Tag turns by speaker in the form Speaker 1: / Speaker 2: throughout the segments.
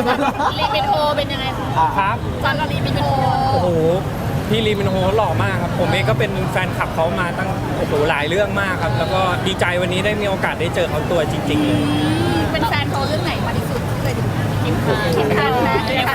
Speaker 1: ลีมินโฮเป็นยังไงคะ
Speaker 2: ครับ
Speaker 1: จอนกับลีมินโฮ
Speaker 2: โอ้โหพี่ลีมินโฮหล่อมากครับผมเองก็เป็นแฟนคลับเขามาตั้งโอ้โหหลายเรื่องมากครับแล้วก็ดีใจวันนี้ได้มีโอกาสได้เจอเขาตัวจริงๆเลย
Speaker 1: เป็นแฟนเขาเรื่องไหนมาที่สุดที่เคยดูกิมคันนะ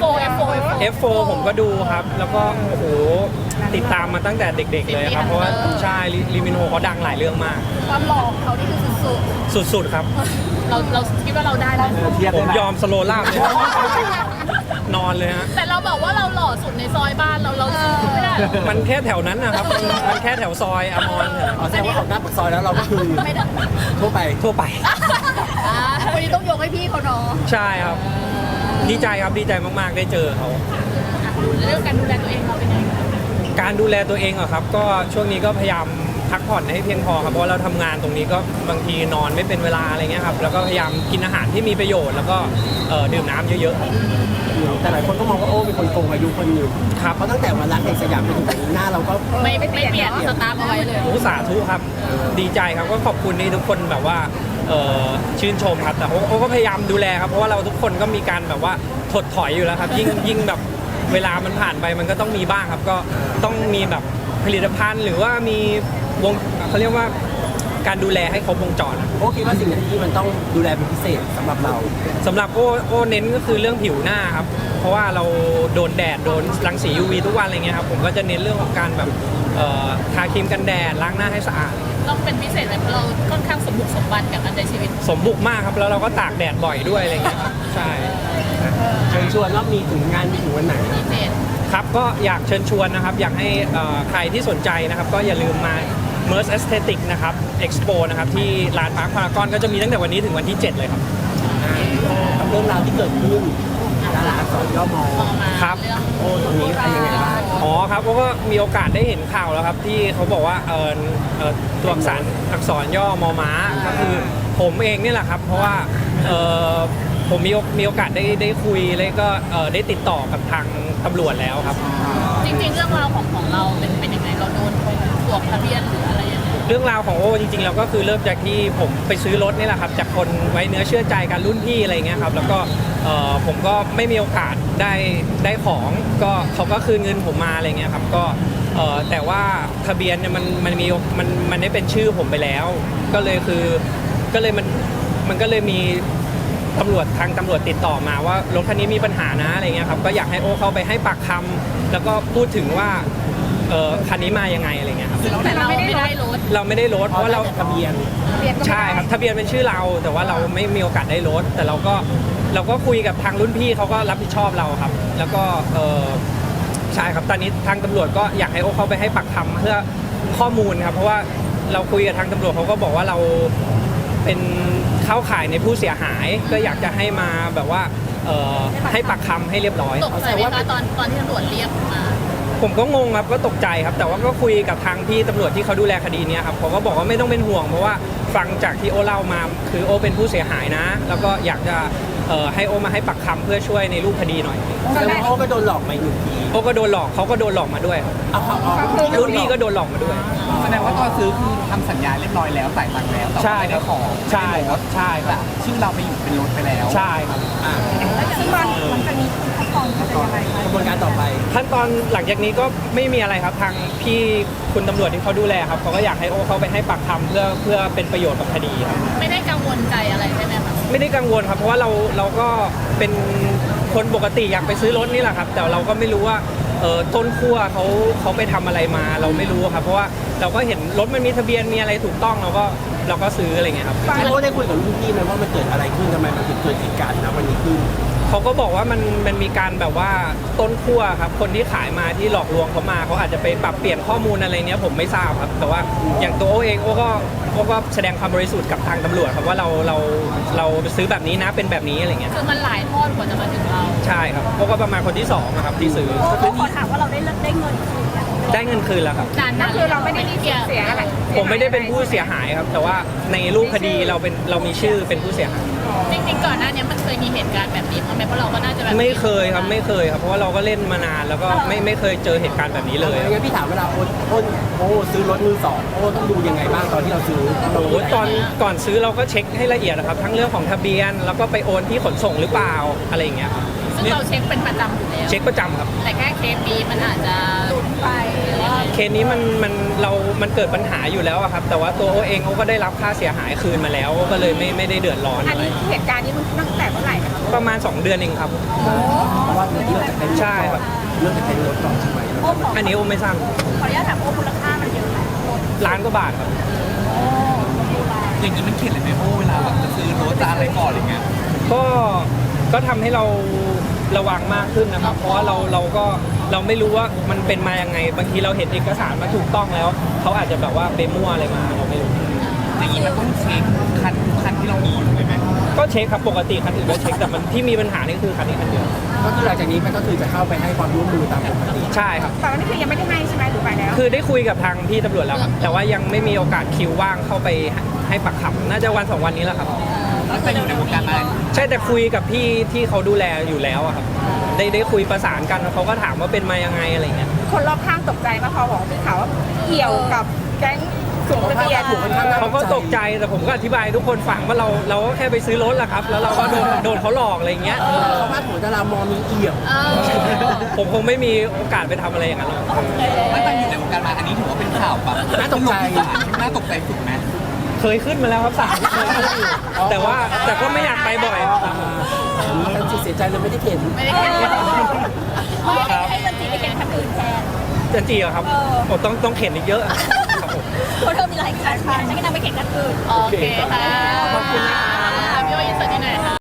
Speaker 1: F4
Speaker 2: ผมก็ดูครับแล้วก็โอ้โหติดตามมาตั้งแต่เด็กๆเลยครับเพราะว่าใช่ลีมินโฮเขาดังหลายเรื่องมาก
Speaker 1: ความหล่อของเขานี่คือสุด
Speaker 2: สุดๆครับ
Speaker 1: ๆเราคิดว่าเราได้ไหม
Speaker 2: ผมยอมสโลว์ล่าบเลยนอนเลยฮะ
Speaker 1: แต่เราบอกว่าเราหล่อสุดในซอยบ้านเราสู้ไม่ได้
Speaker 2: มันแค่แถวนั้นนะครับมันแค่แถวซอยอมร
Speaker 3: แสดงว่าออกหน้าปากซอยแล้วเราก็คือ
Speaker 1: ไม่ได้
Speaker 3: ทั่วไป
Speaker 2: ทั่วไป
Speaker 1: วันนี้ต้องยกให้พี่เขาเนาะ
Speaker 2: ใช่ครับดีใจครับดีใจมากๆได้เจอเขา
Speaker 1: เรื่องการดูแลตัวเองเราเป็นยังไง
Speaker 2: การดูแลตัวเองอะครับก็ช่วงนี้ก็พยายามพักผ่อนให้เพียงพอครับเพราะเราทำงานตรงนี้ก็บางทีนอนไม่เป็นเวลาอะไรเงี้ยครับแล้วก็พยายามกินอาหารที่มีประโยชน์แล้วก็ดื่มน้ำเยอะ
Speaker 3: แต่หลายคนก็มองว่าโอ้เป็นคนโกงอายุคนหนึ่ง
Speaker 2: ๆครับ
Speaker 3: เพราะตั้งแต่วันรักแห่งสยามไปถึงวันนี้หน้าเราก็
Speaker 1: ไม่เปลี่ยนสตาร์ทเอาไว้เลย
Speaker 2: โอ้สาธุครับดีใจครับก็ขอบคุณที่ทุกคนแบบว่าชื่นชมครับแต่โอ้ก็พยายามดูแลครับเพราะว่าเราทุกคนก็มีการแบบว่าถดถอยอยู่แล้วครับยิ่งแบบเวลามันผ่านไปมันก็ต้องมีบ้างครับก็ต้องมีแบบผลิตภัณฑ์หรือว่ามีวงเขาเรียกว่าการดูแลให้ครบวงจร
Speaker 3: โอ้คิดว่าสิ่งที่มันต้องดูแลเป็นพิเศษสำหรับเรา
Speaker 2: สำหรับโอ้เน้นก็คือเรื่องผิวหน้าครับเพราะว่าเราโดนแดดโดนรังสี UV ทุกวันอะไรเงี้ยครับผมก็จะเน้นเรื่องของการแบบทาครีมกันแดดล้างหน้าให้สะอาด
Speaker 1: ต้องเป็นพิเศษเลยเพราะเราค่อนข้างสมบุกสมบันกับการใช้ชีวิต
Speaker 2: สมบุกมากครับแล้วเราก็ตากแดดบ่อยด้วยอะไรเงี้ยครับใช่
Speaker 3: เชิญชวนว่ามีถึงงานมีถึงวันไหน
Speaker 1: พิเศษ
Speaker 2: ครับก็อยากเชิญชวนนะครับอยากให้ใครที่สนใจนะครับก็อย่าลืมมา MERS Aesthetic นะครับ Expo นะครับที่ลานพาร์คพารากอนก็จะมีตั้งแต่วันนี้ถึงวันที่ 7 เลยครับ
Speaker 3: กับเรื่องราวที่เกิดขึ้นดาราอักษรย่อมอ
Speaker 1: มองมา
Speaker 2: ครับ
Speaker 1: เรื่อง
Speaker 3: โอ้ตรงนี้เป็นยังไงบ้าง
Speaker 2: อ๋อครับก็มีโอกาสได้เห็นข่าวแล้วครับที่เขาบอกว่าตัวอักษรย่อมอม้าก็คือผมเองนี่แหละครับเพราะว่าผมมีโอกาสได้คุยแล้วก็ได้ติดต่อกับทางตำรวจแล้วครับ
Speaker 1: จริงๆเรื่องราวของเราเป็นยังไงเราโดนตรวจทะเบียนหรืออะไรยังไง
Speaker 2: เรื่องราวของโอ้จริงๆเราก็คือเริ่มจากที่ผมไปซื้อรถนี่แหละครับจากคนไว้เนื้อเชื่อใจกันรุ่นพี่อะไรเงี้ยครับแล้วก็ผมก็ไม่มีโอกาสได้ของก็เขาก็คืนเงินผมมาอะไรเงี้ยครับก็แต่ว่าทะเบียนเนี่ยมันได้เป็นชื่อผมไปแล้วก็เลยมันก็เลยมีทางตำรวจติดต่อมาว่ารถคันนี้มีปัญหานะอะไรเงี้ยครับก็อยากให้โอ้เข้าไปให้ปากคำแล้วก็พูดถึงว่าคันนี้มายังไงอะไรเงี้ยครับ
Speaker 1: แต่เราไม่ได้รถ
Speaker 2: เราไม่ได้ลดเพราะว่าเรา
Speaker 3: ทะเบียน
Speaker 2: ใช่ครับทะเบียนเป็นชื่อเราแต่ว่าเราไม่มีโอกาสได้ลดแต่เราก็คุยกับทางรุ่นพี่เขาก็รับผิดชอบเราครับ แล้วก็ใช่ครับตอนนี้ทางตำรวจก็อยากให้โอ้เข้าไปให้ปากคำเพื่อข้อมูลครับเพราะว่าเราคุยกับทางตำรวจเขาก็บอกว่าเราเป็นเข้าข่ายในผู้เสียหายก็อยากจะให้มาแบบว่าให้ปากคำให้เรียบร้อย
Speaker 1: ตกใจไหมคะตอนที่ตำรวจเรียกมา
Speaker 2: ผมก็งงครับก็ตกใจครับแต่ว่าก็คุยกับทางพี่ตำรวจที่เขาดูแลคดีนี้ครับเขาก็บอกว่าไม่ต้องเป็นห่วงเพราะว่าฟังจากที่โอเล่ามาคือโอเป็นผู้เสียหายนะ แล้วก็อยากจะให้โอมาให้ปักคำเพื่อช่วยในรูปคดีหน่อย
Speaker 3: แสดงว่าโอ้ก็โดนหลอกไปหนึ่งที
Speaker 2: โอก็โดนหลอกเขาก็โดนหลอกมาด้วยครับ
Speaker 3: เอาเขาเอา
Speaker 2: รุ่นพี่ก็โดนหลอกมาด้วย
Speaker 4: แสดงว่าตอนซื้อคือทำสัญญาเรียบร้อยแล้วจ่ายตังค์แล้วแต่
Speaker 2: ใช่
Speaker 4: ว่าไม่
Speaker 2: ครั
Speaker 4: ได้
Speaker 2: บ
Speaker 4: ของ
Speaker 2: ใช่ครับใช่ครับ
Speaker 4: ชื่อเราไปอยู่เป็นรถไปแล้ว
Speaker 2: ใช่ครับ
Speaker 1: ซึ่งมันจะมีขั้นตอนเป็นยังไงคะ
Speaker 3: กระบวนการต่อไป
Speaker 2: ขั้นตอนหลังจากนี้ก็ไม่มีอะไรครับทางพี่คุณตำรวจที่เขาดูแลครับเขาก็อยากให้โอเขาไปให้ปากคำเพื่อเป็นประโยชน์กับคดีครับ
Speaker 1: ไม่ได้กังวลใจอะไรใช่ไหมคะ
Speaker 2: ไม่ได้กังวลครับเพราะว่าเราก็เป็นคนปกติอยากไปซื้อรถนี่แหละครับ แต่เราก็ไม่รู้ว่าต้นขั้วเขาไปทำอะไรมาเราไม่รู้ครับเพราะว่าเราก็เห็นรถมันมีทะเบียนมีอะไรถูกต้องเราก็ซื้ออะไรเงี้ยครับ
Speaker 3: โอ้ได้คุยกับรุ่นพี่ไหมว่ามันเกิดอะไรขึ้นทำไมมันถึงเกิดเหตุการณ์นะวันนี้ขึ้น
Speaker 2: เขาก็บอกว่ามันมีการแบบว่าต้นขั้วครับคนที่ขายมาที่หลอกลวงเขามาเขาอาจจะไปปรับเปลี่ยนข้อมูลอะไรเนี้ยผมไม่ทราบครับแต่ว่าอย่างตัวโอเองโอก็แสดงความบริสุทธิ์กับทางตำรวจครับว่าเราซื้อแบบนี้นะเป็นแบบนี้อะไรเงี้ย
Speaker 1: คือมันหลายทอดกว่าจะมาถึงเรา
Speaker 2: ใช่ครับโอก็ประมาณคนที่2นะครับที่ซื้อ
Speaker 1: ขอถามว่าเราได้เงินคืน
Speaker 2: ได้เงินคืนแล้วครับ
Speaker 1: นานคือเราไม่ได้มีเสียอะไร
Speaker 2: ผมไม่ได้เป็นผู้เสียหายครับ แต่ว่าในรูปคดีเรามีชื่อเป็นผู้เสียหาย
Speaker 1: จริงๆก่อนหน้านี้มันเคยมีเหตุการณ์แบบนี้ไหมเพราะเราก็น่าจะแบบ
Speaker 2: ไม่เคยครับไม่เคยครับเพราะว่าเราก็เล่นมานานแล้วก็ไม่เคยเจอเหตุการณ์แบบนี้เลย
Speaker 3: งั้นพี่ถามเวลาโอ้ซื้อรถมือสองโอ้ต้องดูยังไงบ้างตอนที่เราซื้อ
Speaker 2: โอ้โหก่อนซื้อเราก็เช็คให้ละเอียดนะครับทั้งเรื่องของทะเบียนแล้วก็ไปโอนที่ขนส่งหรือเปล่าอะไรอย่างเงี้ยครับ
Speaker 1: ซึ่งเราเช็คเป็นประจำอยู่แล้ว
Speaker 2: เช็คประจำครับ
Speaker 1: แต่แค่เคสนี้มันอาจจะหลุดไปหรือว่า
Speaker 2: เคสนี้มันเกิดปัญหาอยู่แล้วอะครับแต่ว่าตัวโอเองเขาก็ได้รับค่าเสียหายคืนมาแล้วก็เลยไม่ได้เดือดร้อน
Speaker 1: อัน
Speaker 2: อะไร
Speaker 1: นี้เหตุการณ์นี้มันตั้งแต่เมื่อไหร่นะคะ
Speaker 2: ประมาณ 2 เดือนเองครับ
Speaker 3: เพราะว่าเรื่องที่เราจะเป็น
Speaker 2: ใช่ครับ
Speaker 3: เรื่องจะเป็นรถก่อนใช่ไหม
Speaker 2: อันนี้โอไม่ทราบ
Speaker 1: ขออนุญาตถามว่ามูลค่ามันเยอะไหม
Speaker 2: ล้านกว่าบาทครับ
Speaker 4: อย่างนี้มันเข็ดเลยไหมโอ้เวลาแบบจะซื้อรถจะอะไรก่อนอะไรเงี้ย
Speaker 2: ก็ทำให้เราระวังมากขึ้นนะครับ เพราะว่าเราไม่รู้ว่ามันเป็นมายังไงบางทีเราเห็นเอกสารมาถูกต้องแล้วเขาอาจจะแบบว่าไปมั่วอะไรมาเราไม่รู้
Speaker 4: อย่างนี้มันต้องเช็คคันที่เรามีอยู่เลยไหม
Speaker 2: ก็เช็คครับปกติคันอื่นก็เช็คแต่มันที่มีปัญหานี่คือคันนี้คันเดียว
Speaker 3: ก็คือหลังจากนี้มันก็คือจะเข้าไปให้ความร่วมมือตามปกติ
Speaker 2: ใช่ครับ
Speaker 1: แต่วันนี้คือยังไม่ได้ให้ใช่ไหมหรือไปแล้ว
Speaker 2: คือได้คุยกับทางพี่ตำรวจแล้วครับแต่ว่ายังไม่มีโอกาสคิวว่างเข้าไปให้ปากคำน่าจะวัน 2 วันนี้แหละครับ
Speaker 4: ตั้งแต่อยู่ในวงการมา
Speaker 2: ใช่แต่คุยกับพี่ที่เขาดูแลอยู่แล้วอะครับได้คุยประสานกันเขาก็ถามว่าเป็นมายังไงอะไรเงี้ย
Speaker 1: คนรอบข้างตกใจมาพอบอกพี่ข่าวว่าเกี่ยวกับแก๊งสูงทะเบียน
Speaker 2: เขาก็ตกใจแต่ผมก็อธิบายให้ทุกคนฟังว่าเราก็แค่ไปซื้อรถแหละครับแล้วเราก็โดนเขาหลอกอะไรเงี้ย
Speaker 3: เขาพาดหัวดารามอมีเอี่ยว
Speaker 2: ผมคงไม่มีโอกาสไปทำอะไรอย่างนั้นหรอก
Speaker 4: ตั้งแต่อยู่ในวงการมาอันนี้ถือว่าเป็นข่าวแบบน่าตกใจสุดไหม
Speaker 2: เคยขึ้นมาแล้วครับศาลเคยขึ้นอยู่แต่ก็ไม่อยากไปบ่อยครับ
Speaker 3: แต่เสียใจเลยไม่ได้เข็น
Speaker 1: ไม่ได้แค่ให้มันจีไปแข่งคันอื่นแทน
Speaker 2: จะจีเหรอครับโอ้ต้องเข็นอีกเยอะครับผม
Speaker 1: เพราะเธอมีหลายคันฉันก็นำไปแข่งคันอื่นโอเคค่ะขอบคุณค่ะพี่ว่ายินเสิร์ตที่ไหนคะ